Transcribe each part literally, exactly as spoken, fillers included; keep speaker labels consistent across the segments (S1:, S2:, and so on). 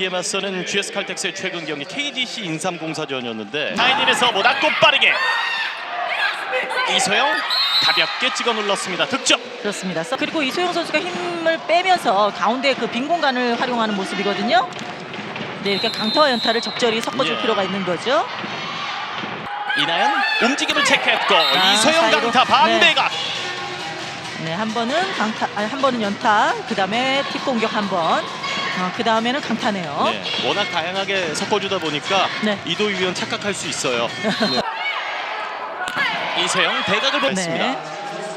S1: 이에 맞서는 지에스 칼텍스의 최근 경기 케이지씨 인삼공사전이었는데 타이닝에서 모닥고 빠르게 이소영 가볍게 찍어 눌렀습니다. 득점.
S2: 그렇습니다. 그리고 이소영 선수가 힘을 빼면서 가운데 그 빈 공간을 활용하는 모습이거든요. 네, 이렇게 강타와 연타를 적절히 섞어줄
S1: 예.
S2: 필요가 있는 거죠.
S1: 이나연 움직임을 체크했고
S2: 아,
S1: 이소영
S2: 사이로.
S1: 강타 반대각.
S2: 네, 네, 한 번은 강타, 아니, 한 번은 연타, 그 다음에 팁 공격 한 번, 어, 그 다음에는 강타네요.
S1: 네, 워낙 다양하게 섞어주다 보니까
S2: 네.
S1: 이도희 위원 착각할 수 있어요. 네. 이소영 대각을 보냈습니다.
S2: 네.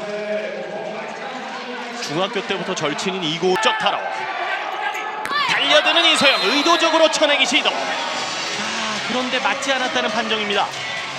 S1: 중학교 때부터 절친인 이고적 타로 달려드는 이소영 의도적으로 쳐내기 시도. 아, 그런데 맞지 않았다는 판정입니다.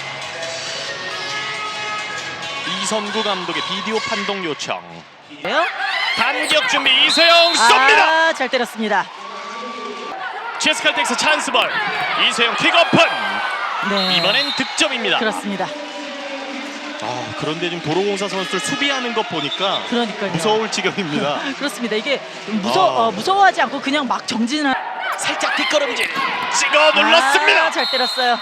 S1: 이선구 감독의 비디오 판독 요청.
S2: 네요?
S1: 반격 준비 이소영 쏩니다.
S2: 아, 잘 때렸습니다.
S1: 지에스 칼텍스 찬스볼. 이소영 킥오픈.
S2: 네.
S1: 이번엔 득점입니다.
S2: 그렇습니다.
S1: 아, 그런데 지금 도로공사 선수들 수비하는 것 보니까
S2: 그러니까요.
S1: 무서울 지경입니다.
S2: 그렇습니다. 이게 무서
S1: 아.
S2: 어, 무서워하지 않고 그냥 막 정진을.
S1: 살짝 뒷걸음질 찍어 눌렀습니다.
S2: 아, 잘 때렸어요.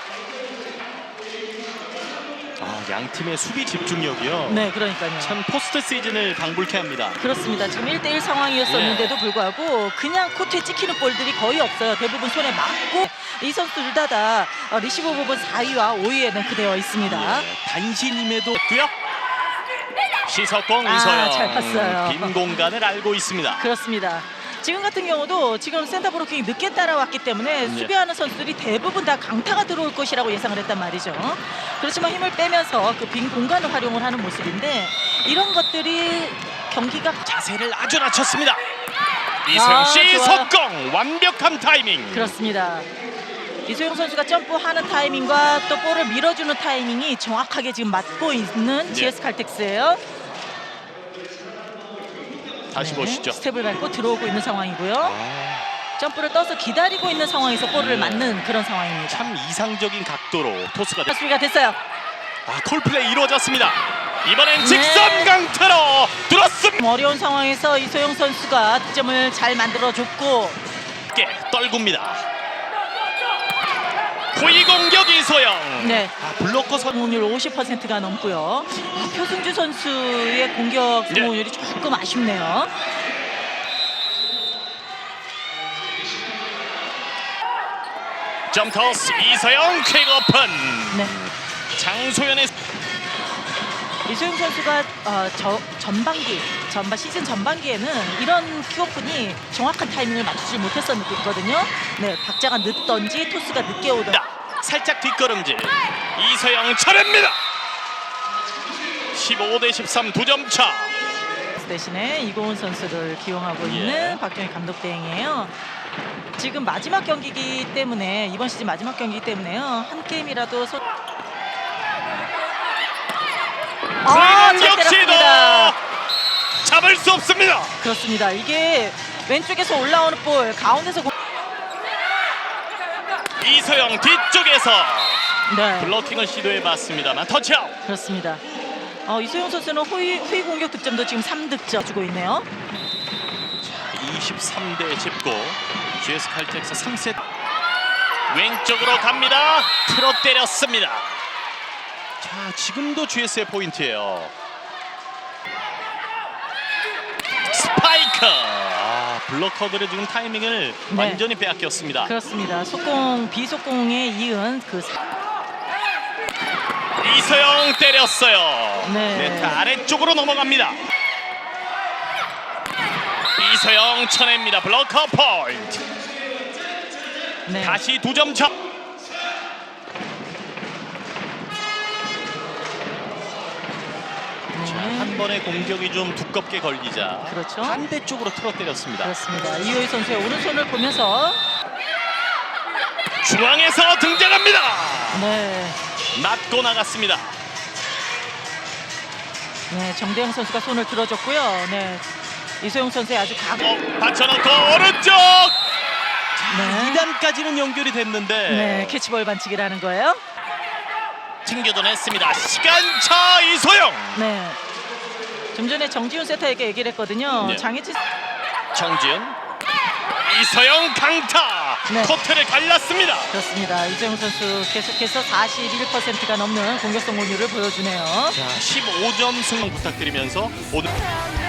S1: 아, 양 팀의 수비 집중력이요.
S2: 네, 그러니까요.
S1: 참 포스트 시즌을 방불케 합니다.
S2: 그렇습니다. 지금 일 대일 상황이었었는데도
S1: 예.
S2: 불구하고 그냥 코트에 찍히는 볼들이 거의 없어요. 대부분 손에 맞고 이 선수들 다 다 리시브 부분 사 위와 오 위에 랭크되어 있습니다.
S1: 예, 단신임에도 했고요. 시석공
S2: 아,
S1: 이소영
S2: 잘 봤어요.
S1: 빈 공간을 알고 있습니다.
S2: 그렇습니다. 지금 같은 경우도 지금 센터 브로킹이 늦게 따라왔기 때문에
S1: 네.
S2: 수비하는 선수들이 대부분 다 강타가 들어올 것이라고 예상을 했단 말이죠. 그렇지만 힘을 빼면서 그 빈 공간을 활용을 하는 모습인데 이런 것들이 경기가
S1: 자세를 아주 낮췄습니다. 이소영
S2: 아,
S1: 시석공 완벽한 타이밍.
S2: 그렇습니다. 이소영 선수가 점프하는 타이밍과 또 볼을 밀어주는 타이밍이 정확하게 지금 맞고 있는
S1: 네.
S2: 지에스 칼텍스예요.
S1: 다시
S2: 네,
S1: 보시죠.
S2: 스텝을 밟고 들어오고 있는 상황이고요.
S1: 아,
S2: 점프를 떠서 기다리고 있는 상황에서 볼을
S1: 네.
S2: 맞는 그런 상황입니다.
S1: 참 이상적인 각도로 토스가 됐...
S2: 수비가 됐어요.
S1: 아, 콜플레이 이루어졌습니다. 이번엔
S2: 네.
S1: 직선 강타로 들었습니다.
S2: 어려운 상황에서 이소영 선수가 득점을 잘 만들어줬고
S1: 깨 떨굽니다. 호위 공격 이소영.
S2: 네.
S1: 아, 블로커 선
S2: 성공률 오십 퍼센트가 넘고요. 아, 표승주 선수의 공격
S1: 네.
S2: 성공률이 조금 아쉽네요.
S1: 점토스 이소영 퀵오픈.
S2: 네.
S1: 장소연의
S2: 이소영 선수가 어, 저, 전반기, 전반 시즌 전반기에는 이런 킥오픈이 정확한 타이밍을 맞추지 못했었거든요. 네, 박자가 늦던지 토스가 늦게 오던.
S1: 살짝 뒷걸음질. 이소영 차례입니다. 십오 대 십삼 두 점 차.
S2: 대신에 이고은 선수를 기용하고
S1: 예.
S2: 있는 박정희 감독 대행이에요. 지금 마지막 경기이기 때문에 이번 시즌 마지막 경기이기 때문에요. 한 게임이라도 소... 아, 잘
S1: 공격 시도
S2: 때렸습니다.
S1: 잡을 수 없습니다.
S2: 그렇습니다. 이게 왼쪽에서 올라오는 볼 가운데서 공...
S1: 이소영 뒤쪽에서
S2: 네,
S1: 블로킹을 시도해봤습니다만 터치아웃.
S2: 그렇습니다. 어, 이소영 선수는 후위, 후위 공격 득점도 지금 삼 득점 주고 있네요.
S1: 이십삼 대 십구. 지에스 칼텍스 삼 세트. 왼쪽으로 갑니다. 틀어 때렸습니다. 자, 지금도 지에스의 포인트예요. 스파이크. 아, 블로커들의 지금 타이밍을
S2: 네.
S1: 완전히 빼앗겼습니다.
S2: 그렇습니다. 속공, 비속공에 이은 그 사...
S1: 이소영 때렸어요.
S2: 네.
S1: 네트 아래쪽으로 넘어갑니다. 이소영 쳐냅니다. 블로커 포인트.
S2: 네.
S1: 다시 두 점 차. 자, 한 번의 공격이 좀 두껍게 걸리자
S2: 그렇죠.
S1: 반대쪽으로 틀어 때렸습니다.
S2: 그렇습니다. 이호희 선수의 오른손을 보면서
S1: 중앙에서 등장합니다.
S2: 네,
S1: 맞고 나갔습니다.
S2: 네 정대영 선수가 손을 들어줬고요. 네, 이소영 선수의 아주 각.
S1: 어, 받쳐놓고 오른쪽.
S2: 네.
S1: 이 단까지는 연결이 됐는데
S2: 네, 캐치볼 반칙이라는 거예요.
S1: 챙겨도냈습니다. 시간차 이소영.
S2: 네. 좀 전에 정지훈 세터에게 얘기를 했거든요.
S1: 네.
S2: 장애치
S1: 정지은 이서영 강타
S2: 네.
S1: 코트를 갈랐습니다.
S2: 그렇습니다. 이재용 선수 계속해서 사십일 퍼센트가 넘는 공격 성공률을 보여주네요.
S1: 자, 십오 점 승리 부탁드리면서 오늘